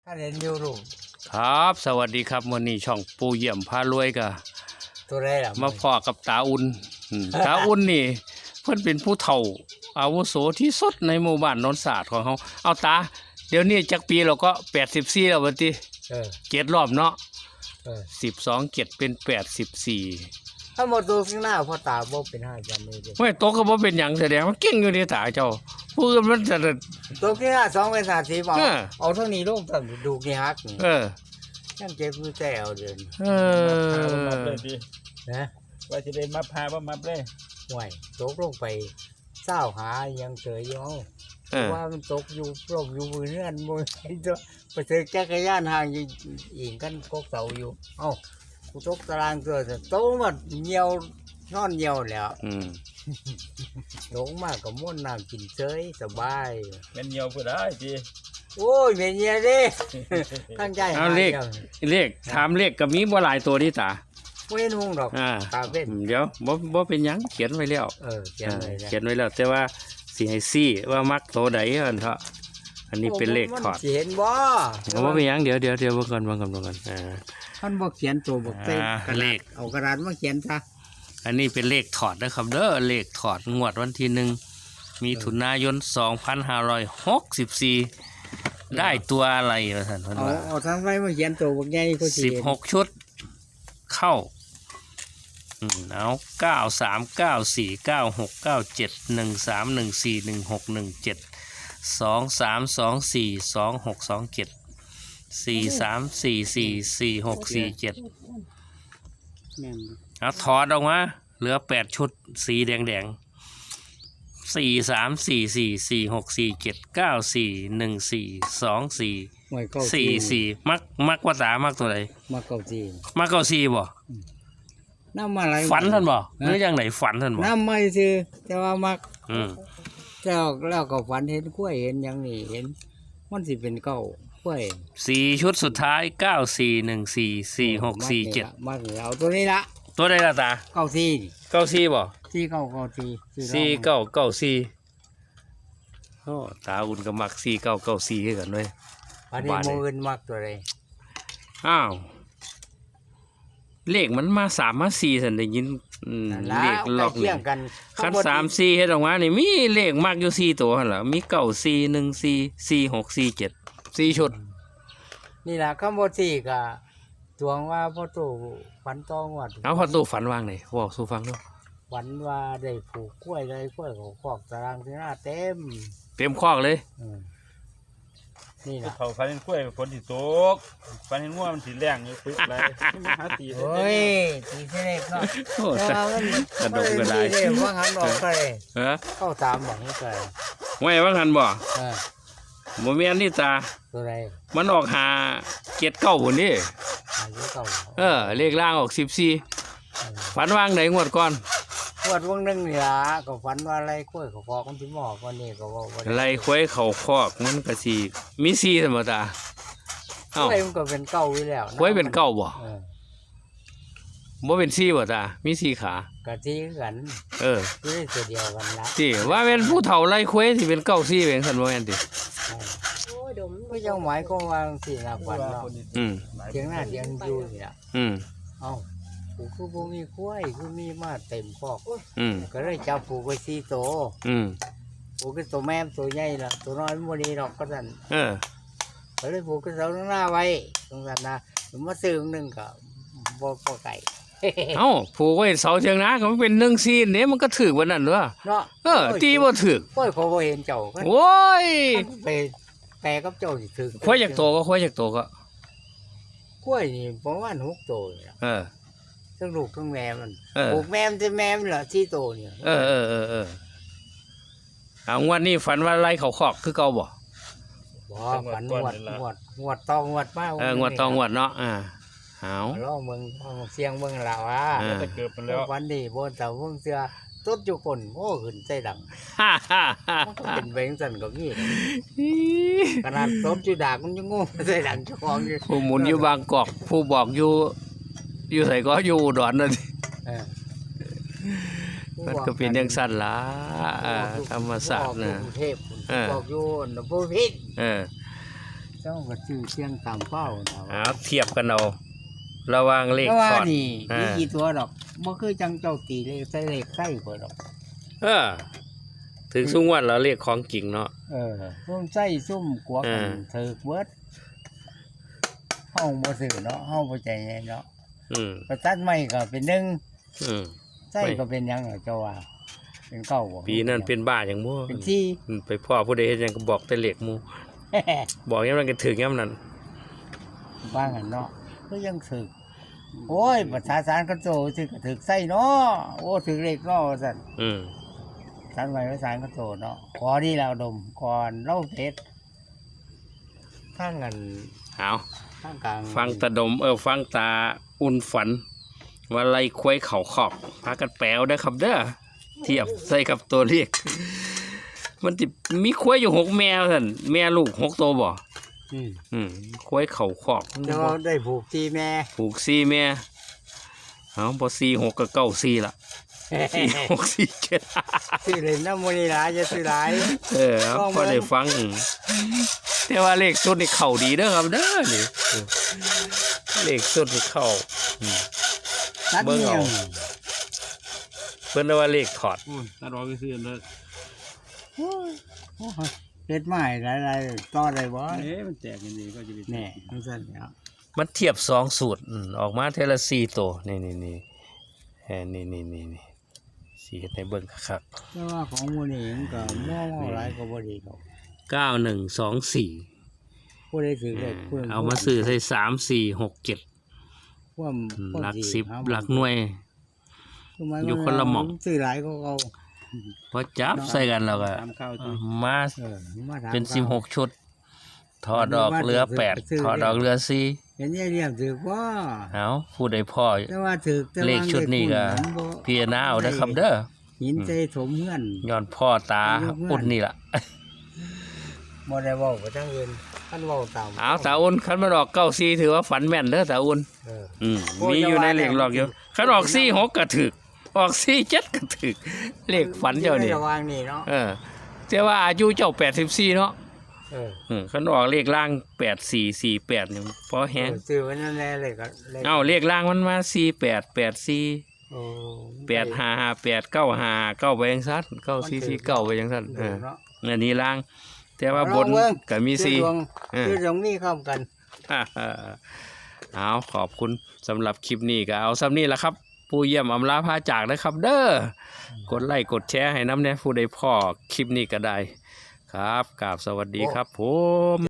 าเรียนอยู่ลูกครับสวัสดีครับวันนี้ช่องปูเยี่ยมพารวยกะตัวไรล่ะมาพอกับตาอุ่นตาอุ่นนี่เพิ่นเป็นผู้เฒ่าอาวุโสที่สุดในหมู่บ้านโนนศาสตร์ของเขาเอาตาเดี๋ยวนี้จักปีเราก็84แล้วบัดนี้เจ็ดรอบเนาะ12เจ็ดเป็น84 ถ้าหมดตัวข้างหน้าพอตาบ่เป็นห้าจำเลยไม่โตก็บ่เป็นหยังแสดงว่าเก่งอยู่ในตาเจ้าผู้อื่นมันจะตัวข้างหน้า2เป็น30เอาเท่านี้ลูกต้องดูกี่ฮักนั่นเจ็บมือแก้วเดินมาเลยดินะว่าจะได้มาพาว่ามาเลยห่วยตกลงไปเศร้าหายังเฉยอยู่ว่ามันตกอยู่ร่มอยู่มือเนื่อนมือตัวไปเจอจักรยานห่างอยู่อิงกันกกเสาอยู่เอ้ากูตกตารางตัวโตมาเหี่ยวนอนเหี่ยวแล้วลงมากกับม้วนน้ำกินเฉยสบายเป็นเหี่ยวก็ได้ดิโอ้ยเป็นเหี่ยวดิตั้งใจเอาเลขถามเลขก็มีบ่หลายตัวนี่ตาเว้นหงดอกตาเป็นเดี๋ยวบ่เป็นหยังเขียนไว้แล้วเขียนไว้แล้วแต่ว่าสิให้ซี่ว่ามักโตใดอันเถาะอันนี้เป็นเลขถอดเห็นบ่บ่เป็นหยังเดี๋ยวเบิ่งก่อนท่านบ่เขียนตัวบ่เป็นเลขเอากระดาษมาเขียนซะอันนี้เป็นเลขถอดนะครับเด้อเลขถอดงวดวันที่1มิถุนายน2564ได้ตัวอะไรล่ะท่านเอาทางไว้มาเขียนตัวบ่ใหญ่ก็สิ 16ชุดเข้าเอา939496971324262743444647เอาถอดออกมาเหลือ8ชุดสีแดง4344464794142444มักว่าตามักตัวไหนมักเก้าสี่บ่น้ำอะไรฝันท่านบ่หรือยังไหนฝันท่านบ่น้ำไม่ซื้อแต่ว่ามักแล้วก็ฝันเห็นกล้วยเห็นอย่างนี้เห็นมันสิเป็นเก้ากล้วย 4ชุดสุดท้าย94144647 มักเอาตัวนี้ละตัวใดล่ะตา 94 บ่ 4994 โอ้ตาอุ่นก็มัก4994คือกันเว้ยอันนี้มื้ออื่นมักตัวใดอ้าวเลขมันมา3มา4ซั่นได้ยินเลขล็อกนี่คัน3 4เฮ็ดออกมานี่มีเลขมักอยู่4ตัวหั่นล่ะมี94144647 4ชุดนี่ล่ะคำบ่4ก็ตวงว่าพ่อตู่ฝันตองวัดเอาพ่อตู่ฝันว่างไหนเว้าสู่ฟังดูฝันว่าได้ปลูกกล้วยเลยกล้วยของคอกตารางที่หน้าเต็มคอกเลยนี่ล่ะเขาฝันเห็นกล้วยฝนสิตกฝันเห็นงัวมันสิแรงอยู่ปึ๊บเลยหาตีโอ้ยตีเสด็จเนาะโอ้กระดกกระไดว่าหันออกไปเข้าตามบอกนี่ไปไม่ว่าหันบ่บ่มีอันนี้ตาตัวไรมันออกหาเกียรติเก้าพุ่นนี่เลขล่างออก14ฝันว่างไหนงวดก่อนงวดวงนึงนี่ล่ะก็ฝันว่าอะไรกล้วยเขาคอกมันสิหมอกวันนี้ก็ว่าอะไรกล้วยเขาคอกมันก็สิมี4ซั่นบ่ตากล้วยมันก็เป็นเก้าอยู่แล้วกล้วยเป็นเก้าบ่บ่เป็น4บ่ตามี4ขาก็ที่กันอยู่ในตัวเดียวกันละสิว่าแม่นผู้เฒ่าไล่กล้วยสิเป็นเก้า4เป็นซั่นบ่แม่นติก็ยังหมายความว่าสิล่ะฝันเนาะเถียงหน้าเถียงอยู่นี่ล่ะเอ้าผูคือบ่มีกล้วยคือมีมาเต็มคอกก็เลยจับผูกไว้4ตัวผูกคือตัวแม่ตัวใหญ่ล่ะตัวน้อยมันบ่ดีดอกก็ซั่นก็เลยผูกกับเสาข้างหน้าไว้ตรงนั้นนะมาซื้อนึงก็บ่ไกลเอ้าผูกไว้เสาเถียงนาก็มันเป็น1ซีนนี่มันก็ถูกวันนั้นเด้อเนาะตีบ่ถูกโอ้ยเขาบ่เห็นเจ้าโอ้ยไปแต่กับเจ้าสิถึงควายจากโตก็กล้วยนี่ประมาณ6โตนี่ทั้งลูกทั้งแม่มันปลูกแม่มันแม่มันเหรอ4โตเนี่ยเอางวดนี้ฝันว่าไล่เขาคอกคือเก่าบ่ฝันงวดตองงวดมากงวดตองงวดเนาะเอาล้อเมืองเสียงเมืองเราจะเกิดมันแล้ววันนี้บนเสาเมืองเสือต้นจุกนโอ้ขึ้นใจดังเป็นเบงสันกับนี่ขนาดต้นจุดามันยังงงใจดังเจ้าของอยู่ผู้หมุนอยู่บางกอกผู้บอกอยู่ใส่ก็อยู่อุดรนั่นมันก็เป็นอย่างสั้นล่ะธรรมศาสตร์นะเทพบอกอยู่นภูพิษเจ้าก็ชื่อเสียงตามเป้านะเอาเทียบกันเอาระหว่างเลขเพราะว่าถอดนี่อ่ามีกี่ตัวดอกบ่คือจังเจ้าตีเลขใส่เลขใส่เพิ่นดอกถึงสุ่งวันแล้วเลขของจริงเนาะซุ่มใส่ซุ่มกลัวกันอ่าถือเบิดเฮาบ่ซื้อเนาะเฮาบ่ใจแน่เนาะอืมประทัดใหม่ก็เป็นหนึ่งอืมใส่ก็เป็นหยังเหรอเจ้าว่าเป็นเก้าบ่ปีนั้นเป็นบ้าอย่างมั่วเป็นที่ไปพ่อผู้ใดเฮ็ดหยังก็บอกแต่เลขหมู่บอกยามนั้นก็ถึงยามนั้นบ้างกันเนาะก็ยังถึกโอ้ยภาษาสารกระโจถึกก็ถึกใส่เนาะโอ้ถึกเลขเนาะว่าซั่นอืมสารไว้ภาษากระโจเนาะขอดีแล้วดมก่อนเล่าเพชรข้างกันเอาข้างกลางฟังตาดมฟังตาอุ่นฝันว่าไล่ควยเข่าขอบพากันแปลวได้อครับเด้อเทียบใส่กับตัวเลขมันจะมีควยอยู่6แม่ท่านแม่ลูก6ตัวบ่ ควยเข่าขอบแต่ว่าได้ผูกที่แม่ผูก4แม่เอาพอ4 6ก็9 4ละ4 6 4 7 ซื้อเลยน้ำมันนี่หลายจะซื้อหลายเอาพอได้ฟังแต่ว่าเลขสุดนี่เข้าดีเด้อครับเด้อนี่เลขสุดนี่เข้าตัดเบิ่งเงี้เอายเพิ่นว่าเลขถอดถ้าเราไปซื้อเลยเฮ็ดไม้หลายๆต่อได้บ่มันแตกกันดีก็จะแน่มันสั่นแล้วมันเทียบ2สูตรออกมาเทอละ4ตัวนี่นี่สีเฮ็ดให้เบิ่งคักแต่ว่าของหมูนี่มันก็มองหลายก็บ่ดีดอก 9124 ผู้ใดถือเลขผู้นั้นเอามาซื้อใส่3 4 6 7 ความหลักสิ 10หลักหน่วย อยู่คนละหม่องซื้อหลายก็เอาพอจับใส่กันแล้วก็ตามข้าวที่มามาถามเป็นข่าว 16ชุดถอดออกเหลือ8ถอดออกเหลือ4 เห็นยายเลี้ยงถือว่าเอาผู้ใดพ่อแต่ว่าถือแต่ว่าเลขชุดนี้ก็เลขคุณพี่นาเอาเด้อครับเด้อหินใจถมเงื่อนย้อนพ่อตาอุ่นนี่ล่ะบ่ได้เว้าไปทั้งอื่นท่านเว้าตามเอาตาอุ่นคันมันออก94ถือว่าฝันแม่นเด้อตาอุ่นเออมีอยู่ในเลขหลอกอยู่คันออก46ก็ถึกออก47ก็ถึกเลขฝันเจ้านี่ระวางนี่เนาะแต่ว่าอายุเจ้า84เนาะเออคันออกเลขล่าง8448นี่พอแฮงซื้อไว้นั่นแหละเลยก็เลขเอ้าเลขล่างมันมา4884 โอ้ 855895ไปจังซั่น9449ไปจังซั่นเออเนาะอันนี้ล่าง แต่ว่าบนเอาเบิ่งก็มีซื้อดวง 4 ซื้อดวงนี่เข้ากันเอาขอบคุณสำหรับคลิปนี้ก็เอาซ้ำนี้แหละครับ ผู้เยี่ยมอำลาพาจากนะครับ เด้อกดไลค์กดแชร์ให้น้ำเนี่ยผู้ใดพ่อคลิปนี้ก็ได้ครับกราบสวัสดีครับผม